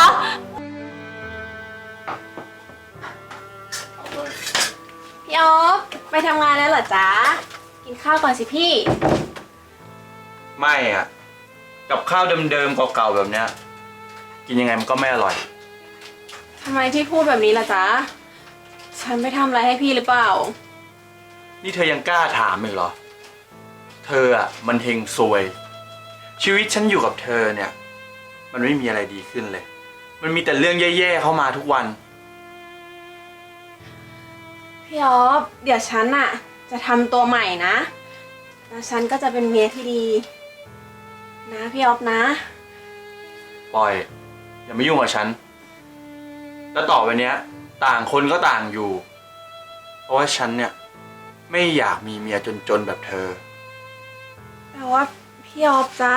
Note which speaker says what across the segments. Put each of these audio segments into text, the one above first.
Speaker 1: พี่อ๊อฟไปทำงานแล้วเหรอจ๊ะกินข้าวก่อนสิพี่
Speaker 2: ไม่อ่ะกับข้าวเดิมๆเก่าๆแบบเนี้ยกินยังไงมันก็ไม่อร่อย
Speaker 1: ทำไมพี่พูดแบบนี้ล่ะจ๊ะฉันไม่ทำอะไรให้พี่หรือเปล่า
Speaker 2: นี่เธอยังกล้าถามอีกเหรอเธออ่ะมันเฮงซวยชีวิตฉันอยู่กับเธอเนี่ยมันไม่มีอะไรดีขึ้นเลยมันมีแต่เรื่องแย่ๆเข้ามาทุกวัน
Speaker 1: พี่อ๊อฟเดี๋ยวฉันอะจะทำตัวใหม่นะแล้วฉันก็จะเป็นเมียที่ดีนะพี่อ๊อฟนะ
Speaker 2: ปล่อยอย่ามายุ่งกับฉันแล้วต่อไปเนี้ยต่างคนก็ต่างอยู่เพราะว่าฉันเนี่ยไม่อยากมีเมียจนๆแบบเธอ
Speaker 1: แต่ว่าพี่อ๊อฟจ๊ะ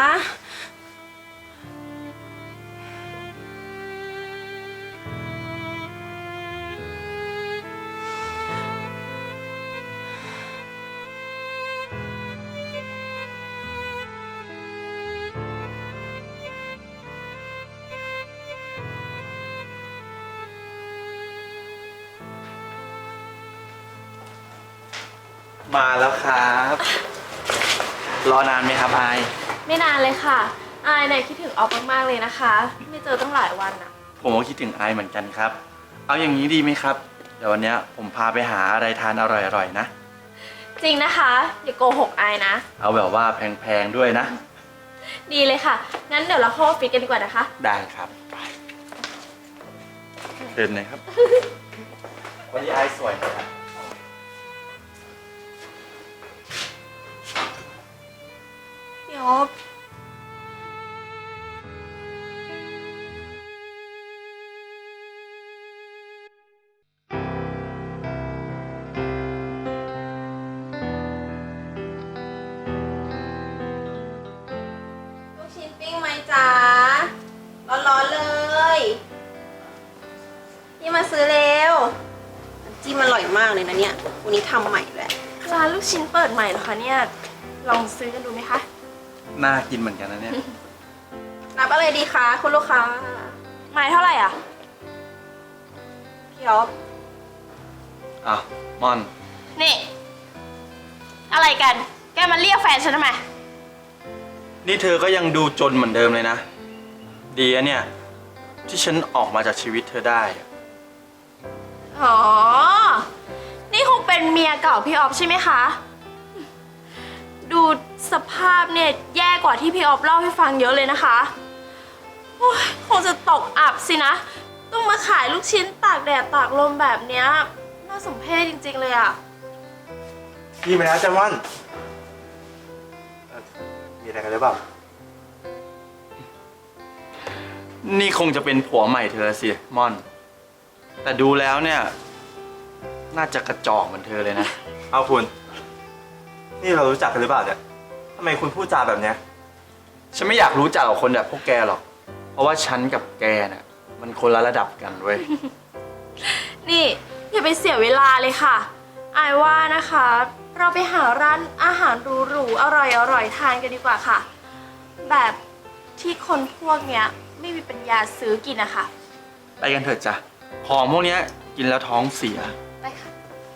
Speaker 2: มาแล้วครับรอนานไหมครับอาย
Speaker 1: ไม่นานเลยค่ะอายเนี่ยคิดถึงออฟมากๆเลยนะคะไม่เจอตั้งหลายวันอะ
Speaker 2: ผมก็คิดถึงอายเหมือนกันครับเอาอย่างนี้ดีไหมครับเดี๋ยววันนี้ผมพาไปหาอะไรทานอร่อยๆนะ
Speaker 1: จริงนะคะอย่าโกหกอายนะ
Speaker 2: เอาแบบว่าแพงๆด้วยนะ
Speaker 1: ดีเลยค่ะงั้นเดี๋ยวเราเข้าออฟฟิศกันดีกว่านะคะ
Speaker 2: ได้ครับเดินเลยครับวันนี้อายสวยนะครับ
Speaker 1: พี่อ๊อฟลูกชิ้นปิ้งไหมจ๊ะร้อนๆเลยนี่มาซื้อเร็วจิ้มอร่อยมากเลยนะเนี่ยวันนี้ทำใหม่เลยร้านลูกชิ้นเปิดใหม่เหรอคะเนี่ยลองซื้อกันดูไหมคะ
Speaker 2: น่ากินเหมือนกันนะเนี่ย
Speaker 1: นับอะไรดีคะคุณลูกค้าไม้เท่าไหร่อ่ะพี่อ๊อฟ
Speaker 2: ม่อน
Speaker 1: นี่อะไรกันแกมาเรียกแฟนฉันทำไม
Speaker 2: นี่เธอก็ยังดูจนเหมือนเดิมเลยนะดีอะเนี่ยที่ฉันออกมาจากชีวิตเธอได้
Speaker 1: อ๋อนี่คงเป็นเมียเก่าพี่อ๊อฟใช่ไหมคะดูสภาพเนี่ยแย่กว่าที่พี่อ๊อฟเล่าให้ฟังเยอะเลยนะคะคงจะตกอับสินะต้องมาขายลูกชิ้นตากแดดตากลมแบบเนี้ยน่าสมเพชจริงๆเลยอะ
Speaker 2: พี่มาแล้วจ้าม่อนมีอะไรกันหรือเปล่านี่คงจะเป็นผัวใหม่เธอสิม่อนแต่ดูแล้วเนี่ยน่าจะกระจอกเหมือนเธอเลยนะ
Speaker 3: เอาคุณนี่เรารู้จักกันหรือเปล่าเนี่ยทำไมคุณพูดจาแบบเนี้ย
Speaker 2: ฉันไม่อยากรู้จักกับคนแบบพวกแกหรอกเพราะว่าฉันกับแกน่ะมันคนละระดับกันเว้ย
Speaker 1: นี่อย่าไปเสียเวลาเลยค่ะอายว่านะคะเราไปหาร้านอาหารหรูๆอร่อยๆทานกันดีกว่าค่ะแบบที่คนพวกเนี้ยไม่มีปัญญาซื้อกินนะคะ
Speaker 2: ไปกันเถิดจ้ะของพวกนี้กินแล้วท้องเสีย
Speaker 1: ไปค่ะ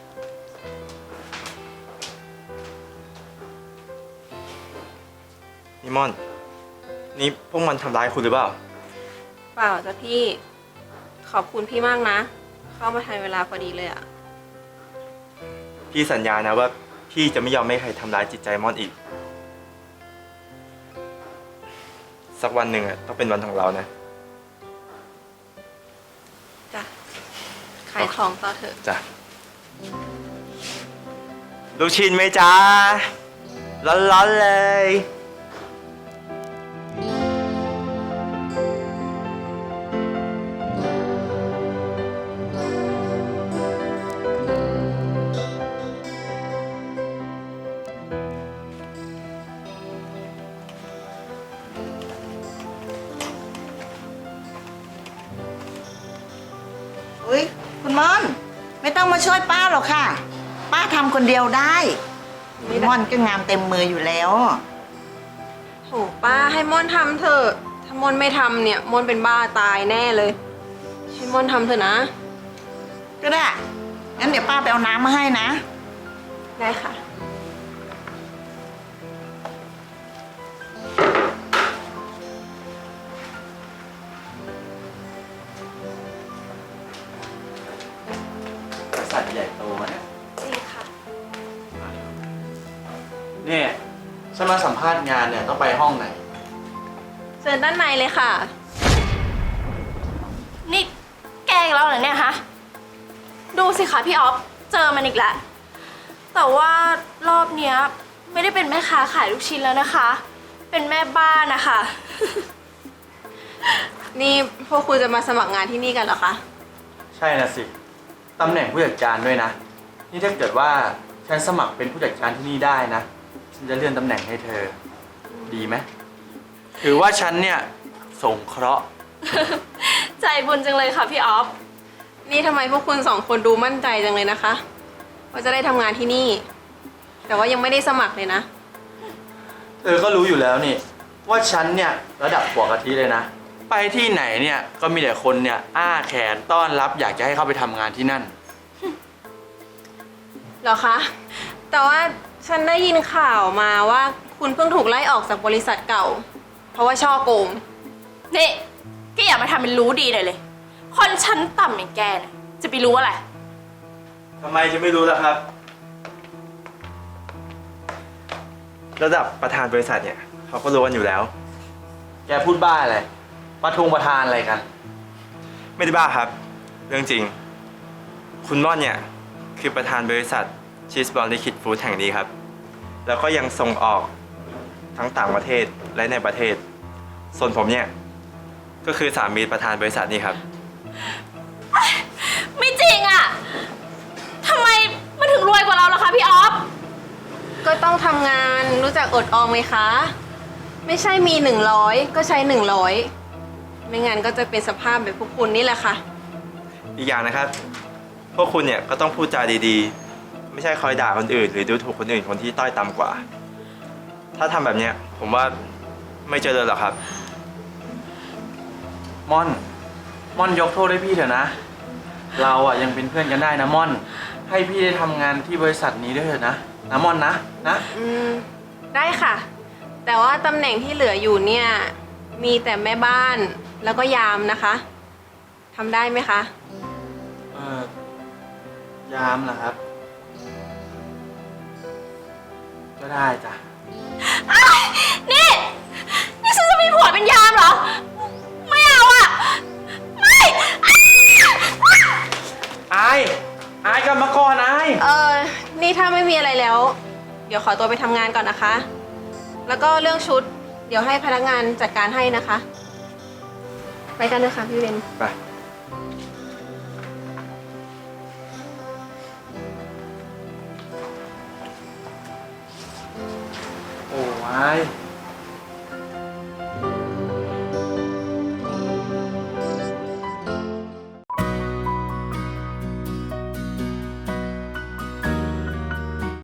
Speaker 3: นี่ม่อนนี่พวกมันทำร้ายคุณหรือเปล่า
Speaker 1: เปล่าจ้ะพี่ขอบคุณพี่มากนะเข้ามาทันเวลาพอดีเลยอะ
Speaker 3: พี่สัญญานะว่าพี่จะไม่ยอมให้ใครทำร้ายจิตใจม่อนอีกสักวันหนึ่งต้องเป็นวันของเรานะ
Speaker 1: จ้ะขายของต่อเถอะ
Speaker 3: จ้ะลูกชิ้นไหมจ๊ะร้อนๆเลย
Speaker 4: คุณม่อนไม่ต้องมาช่วยป้าหรอกค่ะป้าทำคนเดียวได้ม่อนก็งามเต็มมืออยู่แล้ว
Speaker 1: โหป้าให้ม่อนทำเถอะท
Speaker 5: ถ้ามอนไม่ทำเนี่ยมอนเป็นบ้าตายแน่เลยให้มอนทำเถอะนะ
Speaker 4: ก็ได้ งั้นเดี๋ยวป้าไปเอาน้ำมาให้นะ
Speaker 5: ได้ค่ะ
Speaker 2: บริษัทใหญ่โตนะ
Speaker 1: จริงค่ะ
Speaker 2: เนี่ยฉันมาสัมภาษณ์งานเนี่ยต้องไปห้องไหน
Speaker 5: เชิญด้านในเลยค่ะ
Speaker 1: นี่แกล้งเราเหรอเนี่ยฮะ ดูสิคะพี่ออฟ เจอมันอีกแล้ว แต่ว่ารอบเนี้ยไม่ได้เป็นแม่ค้าขายลูกชิ้นแล้วนะคะ เป็นแม่บ้านนะคะ
Speaker 5: นี่พวกคุณจะมาสมัครงานที่นี่กันเหรอคะ
Speaker 2: ใช่นะสิ ตำแหน่งผู้จัดการด้วยนะ นี่ถ้าเกิดว่าฉันสมัครเป็นผู้จัดการที่นี่ได้นะ ฉันจะเลื่อนตำแหน่งให้เธอ ดีไหมถือว่าฉันเนี่ยสงเคราะห์
Speaker 1: ใจบุญจังเลยค่ะพี่ออฟ
Speaker 5: นี่ทำไมพวกคุณสองคนดูมั่นใจจังเลยนะคะ ว่าจะได้ทำงานที่นี่ แต่ว่ายังไม่ได้สมัครเลยนะ
Speaker 2: เธอก็รู้อยู่แล้วนี่ ว่าฉันเนี่ยระดับหัวกะทิเลยนะ ไปที่ไหนเนี่ยก็มีแต่คนเนี่ยอ้าแขนต้อนรับอยากจะให้เข้าไปทำงานที่นั่น
Speaker 5: เหรอคะ แต่ว่าฉันได้ยินข่าวมาว่าคุณเพิ่งถูกไล่ออกจากบริษัทเก่า เพราะว่าช่อโกง
Speaker 1: นี่แกอย่ามาทำเป็นรู้ดีเลย คนชั้นต่ำอย่างแกเนี่ยจะไปรู้อะไร
Speaker 3: ทำไมจะไม่รู้ล่ะครับ ระดับประธานบริษัทเนี่ยเขาก็รู้กันอยู่แล้ว
Speaker 2: แกพูดบ้าอะไรประธานอะไรกัน
Speaker 3: ไม่ได้บ้าครับ เรื่องจริง คุณม่อนเนี่ยคือประธานบริษัทชีสบอลลิคิดฟู้ดแห่งนี้ครับ แล้วก็ยังส่งออกทั้งต่างประเทศและในประเทศ ส่วนผมเนี่ยก็คือสามีประธานบริษัทนี้ครับ
Speaker 1: ไม่จริงอะทำไมมันถึงรวยกว่าเราล่ะคะพี่ออฟ
Speaker 5: ก็ต้องทำงานรู้จักอดออมไหมคะ ไม่ใช่มี100ก็ใช้100ไม่งั้นก็จะเป็นสภาพแบบพวกคุณนี่แหละค่ะ
Speaker 3: อีกอย่างนะครับ พวกคุณเนี่ยก็ต้องพูดจาดีๆ ไม่ใช่คอยด่าคนอื่น หรือดูถูกคนอื่นคนที่ต้อยต่ำกว่า ถ้าทำแบบเนี้ยผมว่าไม่เจริญหรอกครับ
Speaker 2: ม่อนยกโทษให้พี่เถอะนะ เราอ่ะยังเป็นเพื่อนกันได้นะม่อน ให้พี่ได้ทำงานที่บริษัทนี้ด้วยเถอะนะม่อนนะ
Speaker 5: ได้ค่ะ แต่ว่าตำแหน่งที่เหลืออยู่เนี่ยมีแต่แม่บ้านแล้วก็ยามนะคะทำได้ไหมคะ
Speaker 2: ยามเหรอครับ ก็ได้จ้ะ
Speaker 1: นี่ฉันจะมีผัวเป็นยามเหรอ ไม่เอาอะไม่
Speaker 2: อายกลับมาก่อนอาย
Speaker 5: นี่ถ้าไม่มีอะไรแล้ว เดี๋ยวขอตัวไปทำงานก่อนนะคะ แล้วก็เรื่องชุด เดี๋ยวให้พนักงานจัดการให้นะคะ ไปกันนะคะพี่เวน
Speaker 3: ไป